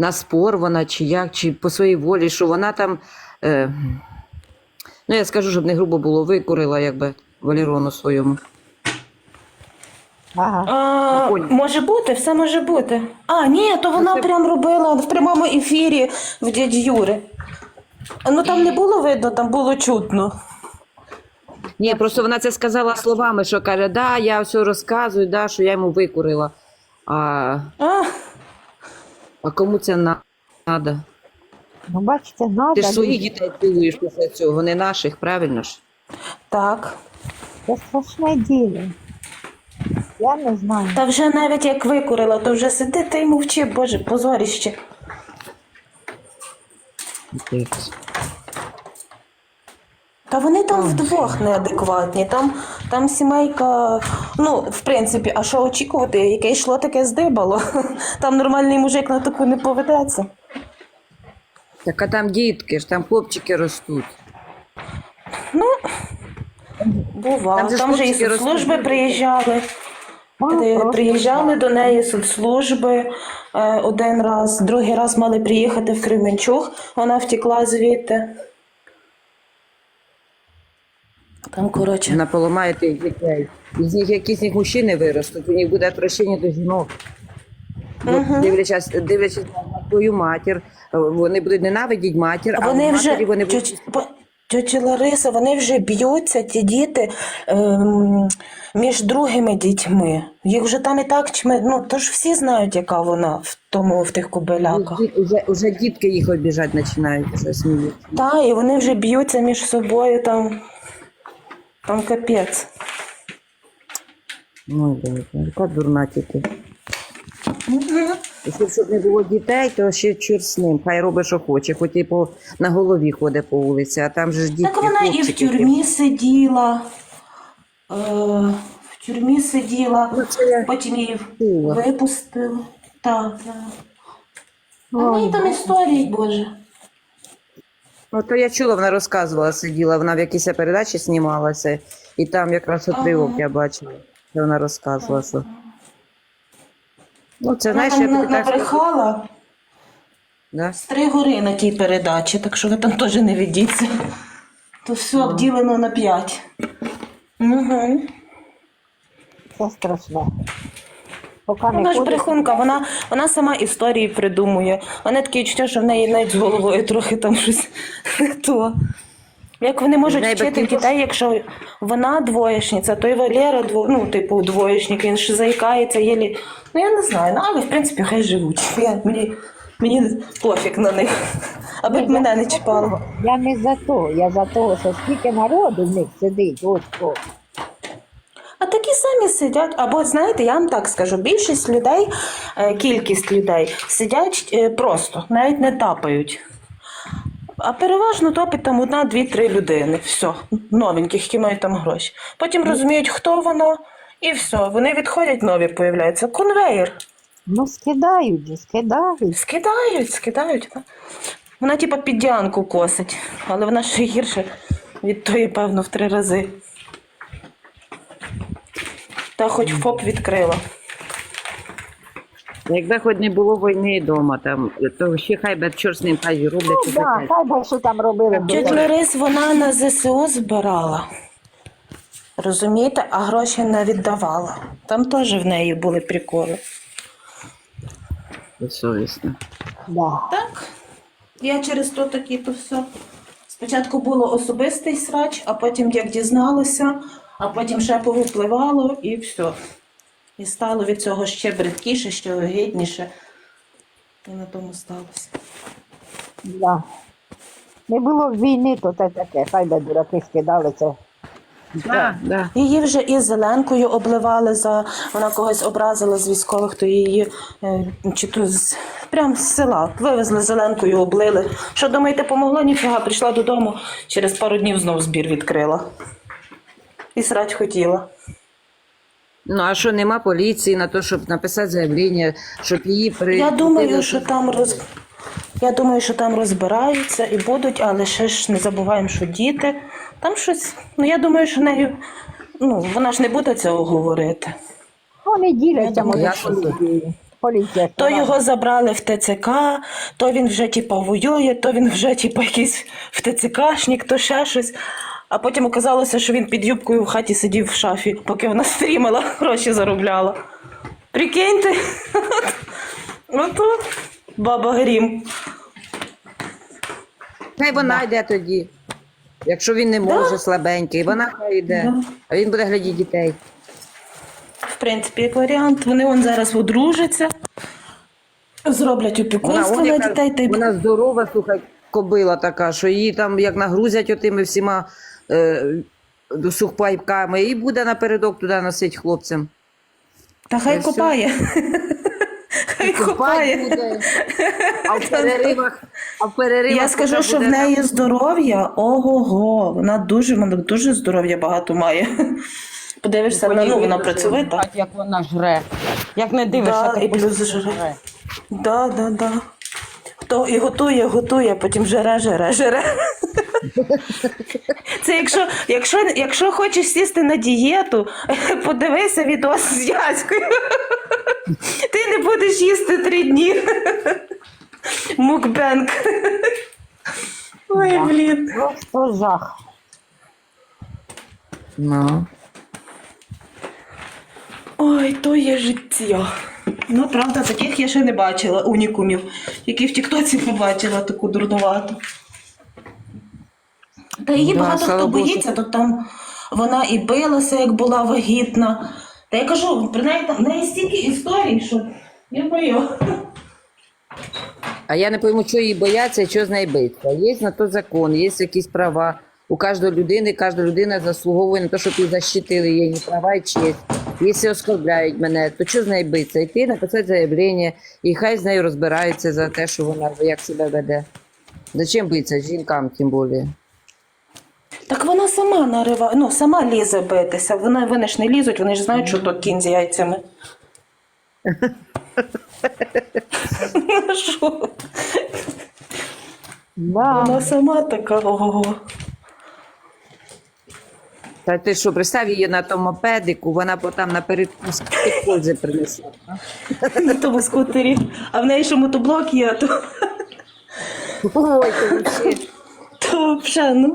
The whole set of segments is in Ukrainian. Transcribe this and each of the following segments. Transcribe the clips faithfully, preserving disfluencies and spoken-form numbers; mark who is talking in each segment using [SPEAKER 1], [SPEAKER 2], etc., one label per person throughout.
[SPEAKER 1] на спор вона, чи як, чи по своїй волі, що вона там, е, ну я скажу, щоб не грубо було, викурила якби Валерону своєму.
[SPEAKER 2] Ага.
[SPEAKER 3] А, може бути, все може бути. А, ні, то вона
[SPEAKER 1] це-
[SPEAKER 3] прям робила в прямому ефірі в дяді Юри. Ну там не було видно, там було чутно.
[SPEAKER 1] Ні, просто вона це сказала словами, що каже, да, я все розказую, да, що я йому викурила. А,
[SPEAKER 3] А,
[SPEAKER 1] а кому це треба?
[SPEAKER 2] Ну, бачите, надо.
[SPEAKER 1] Ти ж своїх
[SPEAKER 2] люди.
[SPEAKER 1] дітей цілуєш після цього, не наших, правильно ж?
[SPEAKER 3] так.
[SPEAKER 2] Це страшне діло. Я не знаю.
[SPEAKER 3] Та вже навіть як викурила, то вже сиди та й мовчи, боже, позоріще. Та вони там вдвох неадекватні, там, там сімейка, ну, в принципі, а що очікувати, яке йшло, таке здибало. Там нормальний мужик на таку не поведеться.
[SPEAKER 1] Так а там дітки ж, там хлопчики ростуть.
[SPEAKER 3] Ну, бува.
[SPEAKER 1] Там
[SPEAKER 3] Там,
[SPEAKER 1] же ж
[SPEAKER 3] же і
[SPEAKER 1] хлопчики
[SPEAKER 3] соцслужби
[SPEAKER 1] розповідають.
[SPEAKER 3] приїжджали.
[SPEAKER 2] Ну,
[SPEAKER 3] Де
[SPEAKER 2] просто
[SPEAKER 3] приїжджали до неї соцслужби е, один раз, другий раз мали приїхати в Кременчуг, вона втекла звідти. Там, коротше.
[SPEAKER 1] Вона поламає тих дітей. З них якісь з них мужчини виростуть, у них буде отвращення до жінок. Бо Дивлячись, дивлячись на твою матір, вони будуть ненавидіти матір, а
[SPEAKER 3] Вони
[SPEAKER 1] в
[SPEAKER 3] вже,
[SPEAKER 1] матері вони будуть...
[SPEAKER 3] тьоч- по- тьотя Лариса, вони вже б'ються, ті діти, ем, між другими дітьми. Їх вже там і так чми, ну, то ж всі знають, яка вона в тому, в тих кобиляках.
[SPEAKER 1] Уже, уже дітки їх обіжати починають, вже сміють.
[SPEAKER 3] Так, і вони вже б'ються між собою, там, там капець.
[SPEAKER 1] Ой, Боже, яка дурна тільки. Якщо щоб не було дітей, то ще чорт з ним. Хай робить, що хоче, хоч і по, на голові ходить по вулиці, а там же ж дітки,
[SPEAKER 3] Так вона і в
[SPEAKER 1] хлопчики.
[SPEAKER 3] тюрмі сиділа, е, в тюрмі сиділа,
[SPEAKER 1] Ну, це я
[SPEAKER 3] потім її
[SPEAKER 1] чула.
[SPEAKER 3] випустили. Так, так. А в неї там історії, Боже.
[SPEAKER 1] Ну, то я чула, вона розказувала, сиділа, вона в якійсь передачі знімалася, і там якраз отривок
[SPEAKER 3] Ага.
[SPEAKER 1] я бачила, що вона розказувала, що... Ну, це,
[SPEAKER 3] Вона
[SPEAKER 1] знаєш,
[SPEAKER 3] там
[SPEAKER 1] я тобі так скажу.
[SPEAKER 3] набрехала
[SPEAKER 1] Да?
[SPEAKER 3] з три гори на тій передачі, так що ви там теж не ведіться. То все обділено на п'ять. Угу.
[SPEAKER 2] це страшне. Поки не
[SPEAKER 3] Вона ж
[SPEAKER 2] ходить,
[SPEAKER 3] брехунка, вона, вона сама історії придумує. Вона таке відчуття, що в неї навіть з головою трохи там щось не то. Як вони можуть
[SPEAKER 1] В неї
[SPEAKER 3] вчити
[SPEAKER 1] батьків
[SPEAKER 3] дітей, якщо вона двоєшниця, то й Валера, дво, ну, типу, двоєшник, він ж заїкається, єлі. Ну, я не знаю, ну, але, в принципі, хай живуть. Я, мені, мені пофіг на них, аби б мене не чіпало.
[SPEAKER 2] Я не за то, я за того, що скільки народу в них сидить, ось що.
[SPEAKER 3] А такі самі сидять, або, знаєте, я вам так скажу, більшість людей, е, кількість людей сидять е, просто, навіть не тапають. А переважно топить там одна, дві, три людини. Все, новеньких, які мають там гроші. Потім розуміють, хто воно, і все. Вони відходять, нові появляються. Конвейер.
[SPEAKER 2] Ну, скидають же, скидають.
[SPEAKER 3] Скидають, скидають. так. Вона типа під Діанку косить, але вона ще гірше від тої, певно, в три рази. Та хоч ФОП відкрила.
[SPEAKER 1] Якби хоч не було війни вдома, там, то ще хай би чорт з ним, хай роблять.
[SPEAKER 2] Ну,
[SPEAKER 1] що
[SPEAKER 2] да,
[SPEAKER 1] хочуть.
[SPEAKER 2] хай би що там робили. бо
[SPEAKER 3] Тетя Ларис, вона на ЗСУ збирала. Розумієте? А гроші не віддавала. Там теж в неї були приколи.
[SPEAKER 1] Безсовісно.
[SPEAKER 2] Да.
[SPEAKER 3] Так. Я через то такі то все. Спочатку було особистий срач, а потім як дізналася, а потім ще повипливало і все. І стало від цього ще бридкіше, ще огидніше. І на тому сталося.
[SPEAKER 2] Да. Не було б війни, то це таке, хай би дураки скидалися.
[SPEAKER 1] Да, да.
[SPEAKER 3] Її вже і зеленкою обливали, за вона когось образила з військових, то її е, чи то з прям з села вивезли зеленкою, облили. Що думаєте, помогло? Ніфіга, прийшла додому, через пару днів знов збір відкрила. І срать хотіла.
[SPEAKER 1] Ну, а що, нема поліції на те, щоб написати заявлення, щоб її при...
[SPEAKER 3] Я думаю, що там роз... Я думаю, що там розбираються і будуть, але ще ж не забуваємо, що діти. Там щось. Ну я думаю, що нею. Ну, вона ж не буде цього говорити.
[SPEAKER 2] Вони діляться,
[SPEAKER 3] Я думаю,
[SPEAKER 2] може,
[SPEAKER 1] я
[SPEAKER 2] поліцією. поліція.
[SPEAKER 3] То його забрали в ТЦК, то він вже типа воює, то він вже типа якийсь в ТЦКшник, то ще щось. А потім оказалося, що він під юбкою в хаті сидів в шафі, поки вона стрімила, гроші заробляла. Прикиньте, ото баба Грім.
[SPEAKER 1] Хай вона йде тоді. Якщо він не може, слабенький, вона хай йде.
[SPEAKER 3] Да.
[SPEAKER 1] А він буде глядіти дітей.
[SPEAKER 3] В принципі, як варіант, вони вон зараз одружаться, зроблять опікунство
[SPEAKER 1] он
[SPEAKER 3] на
[SPEAKER 1] яка-
[SPEAKER 3] дітей. Та й...
[SPEAKER 1] вона здорова, слухай, кобила така, що її там як нагрузять отими всіма е, сухпайками, і буде напередок туди носить хлопцям.
[SPEAKER 3] Та хай
[SPEAKER 1] Та й
[SPEAKER 3] копає. Хай копає.
[SPEAKER 1] буде. А в переривах, а в переривах
[SPEAKER 3] Я скажу,
[SPEAKER 1] туди
[SPEAKER 3] що в
[SPEAKER 1] буде
[SPEAKER 3] неї здоров'я, ого-го, вона дуже, вона дуже здоров'я багато має. Подивишся, вона, ну, вона працьовита.
[SPEAKER 4] Як вона жре. Як не дивишся,
[SPEAKER 3] Да,
[SPEAKER 4] ти
[SPEAKER 3] і плюс
[SPEAKER 4] постійно
[SPEAKER 3] жре. Да, да, да. То і готує, готує, потім жере, жере, жере. Це якщо, якщо, якщо хочеш сісти на дієту, подивися відос з Яською. Ти не будеш їсти три дні. Мукбенк. Ой, блін.
[SPEAKER 2] Просто жах.
[SPEAKER 1] Ну.
[SPEAKER 3] Ой, то є життя. Ну, правда, таких я ще не бачила, унікумів, які в Тіктоці побачила таку дурнувату. Та її
[SPEAKER 1] Да,
[SPEAKER 3] багато
[SPEAKER 1] слава
[SPEAKER 3] хто
[SPEAKER 1] Богу,
[SPEAKER 3] боїться, то там вона і билася, як була вагітна. Та я кажу, принаймні, в неї стільки історій, що я бою.
[SPEAKER 1] А я не пойму, що її бояться і що з нею биться. Є на то закон, є якісь права. У кожної людини, кожна людина заслуговує на те, щоб її защитили її права і честь. Якщо оскорбляють мене, то що з нею биться? Йти, написати заявлення, і хай з нею розбираються за те, що вона як себе веде. Зачем биться жінкам, тим більше?
[SPEAKER 3] Так вона сама нариває, ну, сама лізе битися. Вона, вони ж не лізуть, вони ж знають, що то кінь з яйцями. Що?
[SPEAKER 2] Да.
[SPEAKER 3] Вона сама така, ого.
[SPEAKER 1] Та ти що, представ її на тому мопедику, вона потім напередку скільки пользи принесла.
[SPEAKER 3] На тому скутері. А в неї ще мотоблок є, то,
[SPEAKER 1] Ой, то взагалі.
[SPEAKER 3] то взагалі, ну.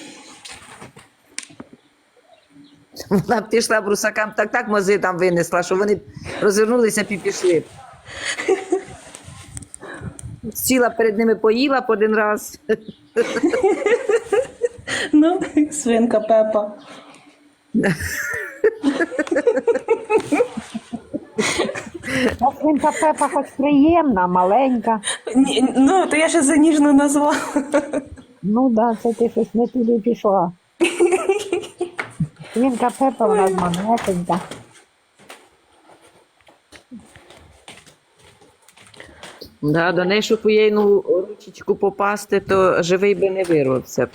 [SPEAKER 1] Вона б пішла брусакам, так так мози там винесла, що вони розвернулися і пішли. Сіла перед ними, поїла по один раз.
[SPEAKER 3] Ну, свинка Пепа.
[SPEAKER 2] Та свинка Пепа хоч приємна, маленька.
[SPEAKER 3] Ні, ну, то я ще за ніжно назвала.
[SPEAKER 2] Ну да, це ти щось не туди пішла. Свинка Пепа вона манесенька.
[SPEAKER 1] Да, до неї, щоб у єйну ручечку попасти, то живий би не вирвався.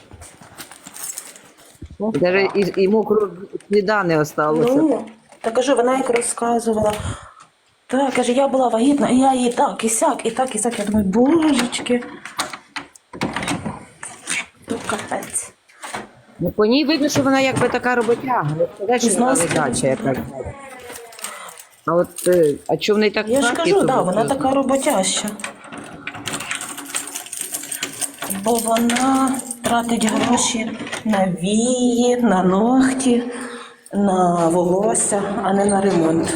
[SPEAKER 1] Даже і, і мокрого сліда не осталося.
[SPEAKER 3] Ну, та кажу, вона як розказувала. Так, каже, я була вагітна, і я її так, і сяк, і так, і сяк. Я думаю, божечки. То капець.
[SPEAKER 1] Ну, по ній видно, що вона якби така роботяга. Не сказати, що вона
[SPEAKER 3] Зносить.
[SPEAKER 1] ледача якась. А от, е, а чого в неї так
[SPEAKER 3] Я ж
[SPEAKER 1] знаки,
[SPEAKER 3] кажу,
[SPEAKER 1] то
[SPEAKER 3] да,
[SPEAKER 1] от,
[SPEAKER 3] вона
[SPEAKER 1] е,
[SPEAKER 3] така роботяща. Бо вона тратить гроші на вії, на ногті, на волосся, а не на ремонт.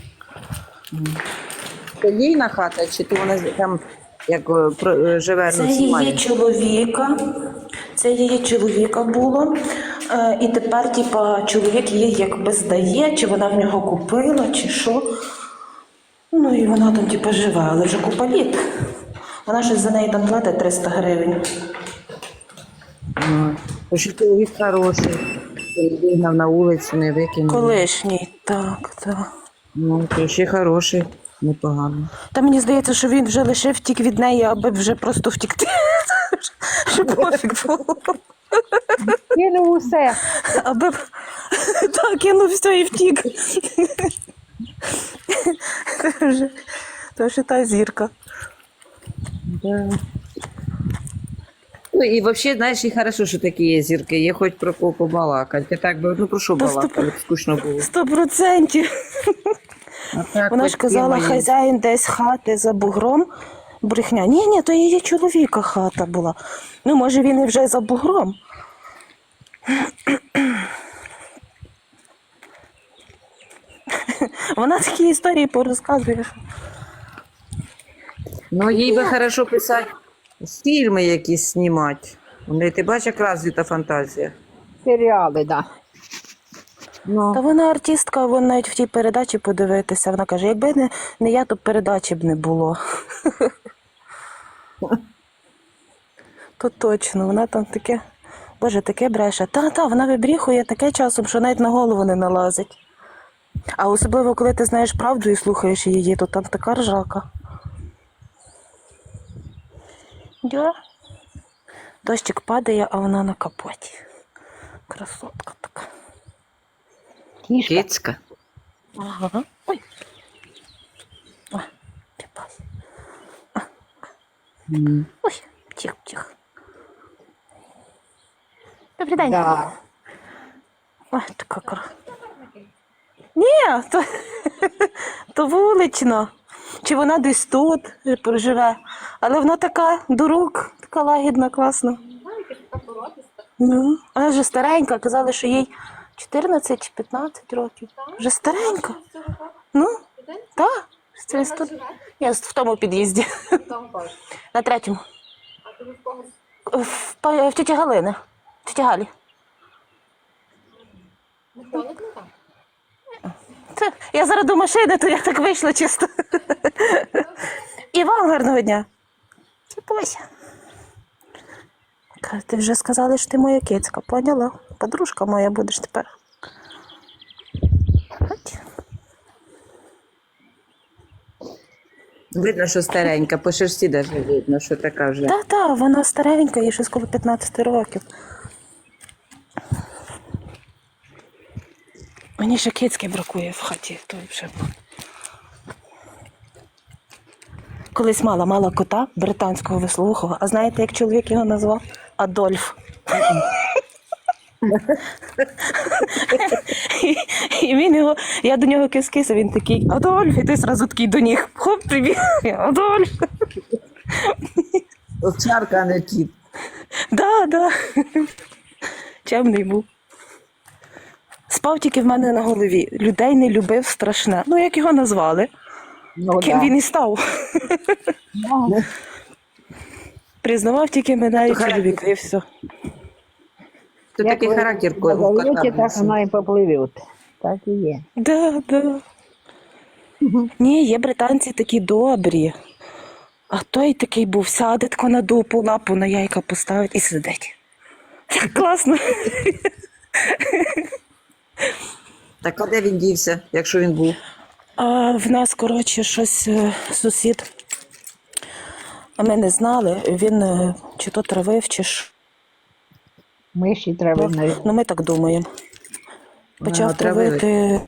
[SPEAKER 1] Це їйна хата, чи то вона там як е, про- е, живе
[SPEAKER 3] Це
[SPEAKER 1] на
[SPEAKER 3] її
[SPEAKER 1] Сімані?
[SPEAKER 3] чоловіка, це її чоловіка було. Е, і тепер, типа, чоловік її якби здає, чи вона в нього купила, чи що. Ну і вона там, типа, живе, але вже купа літ. Вона щось за неї там платить триста гривень.
[SPEAKER 1] Ну, то що чоловік хороший, не вигнав на вулицю, не викинув.
[SPEAKER 3] Колишній, так, так.
[SPEAKER 1] Ну, то ще хороший, непогано.
[SPEAKER 3] Та мені здається, що він вже лише втік від неї, аби вже просто втікти. Щоб пофіг було.
[SPEAKER 2] Кинув усе.
[SPEAKER 3] Аби так, кинув все і втік. Це вже то вже та зірка.
[SPEAKER 1] Да. Ну і взагалі, знаєш, і хорошо, що такі є зірки, є хоч про кого побалакати. Я так би, ну про що
[SPEAKER 3] Та сто-
[SPEAKER 1] балакати, скучно було.
[SPEAKER 3] Сто процентів.
[SPEAKER 1] Так,
[SPEAKER 3] Вона ж
[SPEAKER 1] от
[SPEAKER 3] казала,
[SPEAKER 1] тема є.
[SPEAKER 3] хазяїн десь хати за бугром. Брехня. Ні, ні, то її чоловіка хата була. Ну, може, він і вже за бугром. Вона такі історії порозказує. що-
[SPEAKER 1] Ну, їй би хорошо писати фільми якісь знімати. У неї, ти бачиш, як розвита фантазія.
[SPEAKER 2] Серіали, да.
[SPEAKER 1] Ну,
[SPEAKER 3] Та вона артистка, вона навіть в тій передачі подивитися. Вона каже, якби не, не я, то передачі б не було. То точно, вона там таке, боже, таке бреше. Та-та, вона вибріхує таке часом, що навіть на голову не налазить. А особливо, коли ти знаєш правду і слухаєш її, то там така ржака. Дя. Дощик падає, а вона на капоті. Красотка така.
[SPEAKER 2] Кішка.
[SPEAKER 1] кицька.
[SPEAKER 3] Ага. Ой. Ой, піпас.
[SPEAKER 1] М.
[SPEAKER 3] Ой, тихо, тихо. Добрий день.
[SPEAKER 2] Да.
[SPEAKER 3] Ой, така кра. Ні, то, то вулична. Чи вона десь тут проживе. Але вона така до рук, така лагідна, класна. Ну, вона вже старенька, казали, що їй чотирнадцять чи п'ятнадцять років. Вже старенька. Ну, так. Це тут. Я в тому під'їзді. На третьому. В, па- в тіті Галини. В тіті Галі. Це, я зараз до машини, то я так вийшла чисто. І вам гарного дня. Чіпайся. Каже, ти вже сказали, що ти моя кицька, поняла? Подружка моя будеш тепер. От.
[SPEAKER 1] Видно, що старенька, по шерсті навіть видно, що така вже.
[SPEAKER 3] Та-та, вона старенька, їй щось коло п'ятнадцять років. Мені ще кицьки бракує в хаті. То вже... Колись мала, мала кота британського вислухого. А знаєте, як чоловік його назвав? Адольф. І, і він його, я до нього кис-кис, а він такий, Адольф, і ти зразу такий до них, хоп, привіт, Адольф.
[SPEAKER 1] Овчарка, а не кіт.
[SPEAKER 3] Да, да. Чемний був. Спав тільки в мене на голові. Людей не любив страшне. Ну, як його назвали,
[SPEAKER 2] Ну,
[SPEAKER 3] ким
[SPEAKER 2] да.
[SPEAKER 3] він і став.
[SPEAKER 2] Ну,
[SPEAKER 3] Признавав тільки мене і
[SPEAKER 1] То характер.
[SPEAKER 3] чоловіка, і все.
[SPEAKER 1] То
[SPEAKER 2] як
[SPEAKER 1] такий
[SPEAKER 2] ви
[SPEAKER 1] характер у кота.
[SPEAKER 2] назовете, так
[SPEAKER 1] був.
[SPEAKER 2] воно і попливе. Так і є.
[SPEAKER 3] Да, да. Ні, є британці такі добрі. А той такий був, сяде тако на дупу, лапу на яйка поставить і сидить. Так класно.
[SPEAKER 1] Так, а де він дівся, якщо він був?
[SPEAKER 3] А в нас, коротше, щось е, сусід. А ми не знали, він е, чи то травив, чи ж.
[SPEAKER 2] Миші треба навіть.
[SPEAKER 3] Ну, ми так думаємо. Почав
[SPEAKER 1] А, травили.
[SPEAKER 3] травити.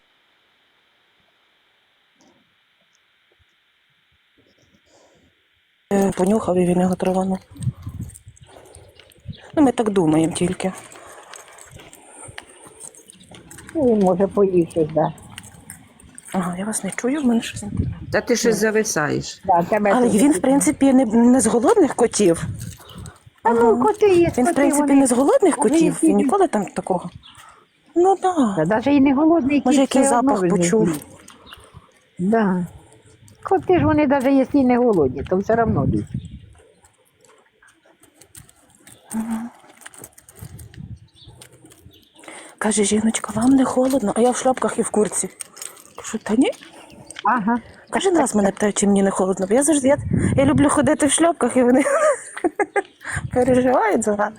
[SPEAKER 3] Е, Понюхав і він його траванув. Ну, ми так думаємо тільки.
[SPEAKER 2] Ну, він може поїв щось, да.
[SPEAKER 3] Ага, я вас не чую, в мене щось. не-
[SPEAKER 1] Та ти щось зависаєш.
[SPEAKER 2] Да, тебе
[SPEAKER 3] Але
[SPEAKER 2] тут-
[SPEAKER 3] він, в принципі, не, не з голодних котів.
[SPEAKER 2] А ну, коти є,
[SPEAKER 3] Він, в
[SPEAKER 2] коти,
[SPEAKER 3] принципі,
[SPEAKER 2] вони-
[SPEAKER 3] не з голодних
[SPEAKER 2] вони
[SPEAKER 3] котів.
[SPEAKER 2] всі-
[SPEAKER 3] Він ніколи там такого. Ну так.
[SPEAKER 2] Та
[SPEAKER 3] Да.
[SPEAKER 2] навіть і не голодний
[SPEAKER 3] Може,
[SPEAKER 2] кіт,
[SPEAKER 3] який
[SPEAKER 2] все одно
[SPEAKER 3] запах
[SPEAKER 2] він
[SPEAKER 3] почув.
[SPEAKER 2] їсть. Да. Коти ж вони навіть якщо і не голодні, то все одно їсть.
[SPEAKER 3] Каже, жіночка, вам не холодно, а я в шляпках і в курці. Кажу, та ні.
[SPEAKER 2] Ага.
[SPEAKER 3] Кожен раз мене питають, чи мені не холодно. Бо я завжди я, я люблю ходити в шльопках, і вони переживають за мене.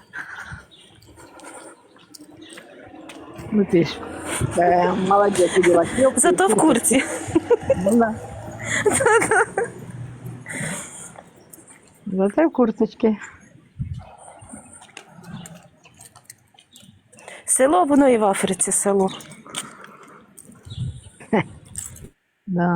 [SPEAKER 2] Ну ти ж. Е, молодець, діла.
[SPEAKER 3] Зато в курці.
[SPEAKER 2] Зате в курточці.
[SPEAKER 3] Село, воно і в Африці село.
[SPEAKER 2] Да.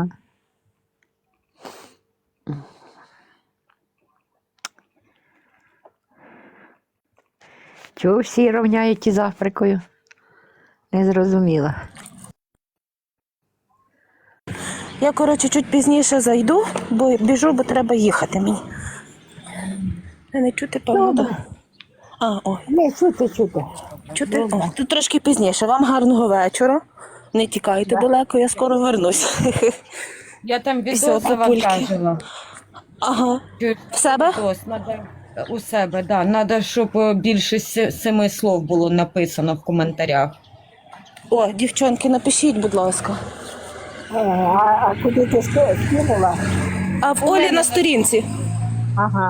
[SPEAKER 2] Чого всі рівняють із Африкою? Не зрозуміла.
[SPEAKER 3] Я, коротше, чуть пізніше зайду, бо біжу, бо треба їхати мені. Не чути, певно,
[SPEAKER 2] Добре.
[SPEAKER 3] да? А, о,
[SPEAKER 2] Не, чути, чути.
[SPEAKER 3] чути. О, тут трошки пізніше. Вам гарного вечора. Не тікайте далеко, я скоро вернусь.
[SPEAKER 4] Я там
[SPEAKER 3] Всьо,
[SPEAKER 4] відео
[SPEAKER 3] папульки.
[SPEAKER 4] завантажила.
[SPEAKER 3] Ага.
[SPEAKER 4] Чую,
[SPEAKER 3] В себе?
[SPEAKER 4] відос, надо у себе, да. Надо, щоб е, більше се- семи слов було написано в коментарях.
[SPEAKER 3] О, дівчонки, напишіть, будь ласка.
[SPEAKER 2] Е, а, а куди ти ски- скинула?
[SPEAKER 3] А в Олі на сторінці.
[SPEAKER 2] Ага,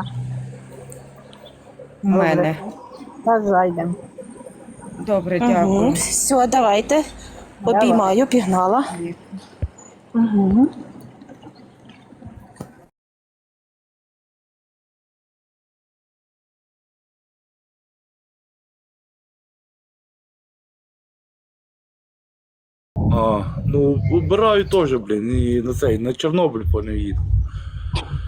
[SPEAKER 4] У мене.
[SPEAKER 2] та зайдемо.
[SPEAKER 4] Добре,
[SPEAKER 3] Угу.
[SPEAKER 4] дякую.
[SPEAKER 3] Все, давайте. Обіймаю, пігнала.
[SPEAKER 2] Угу.
[SPEAKER 5] А, ну, убираю теж, блін, і на цей, на Чорнобиль по не їду.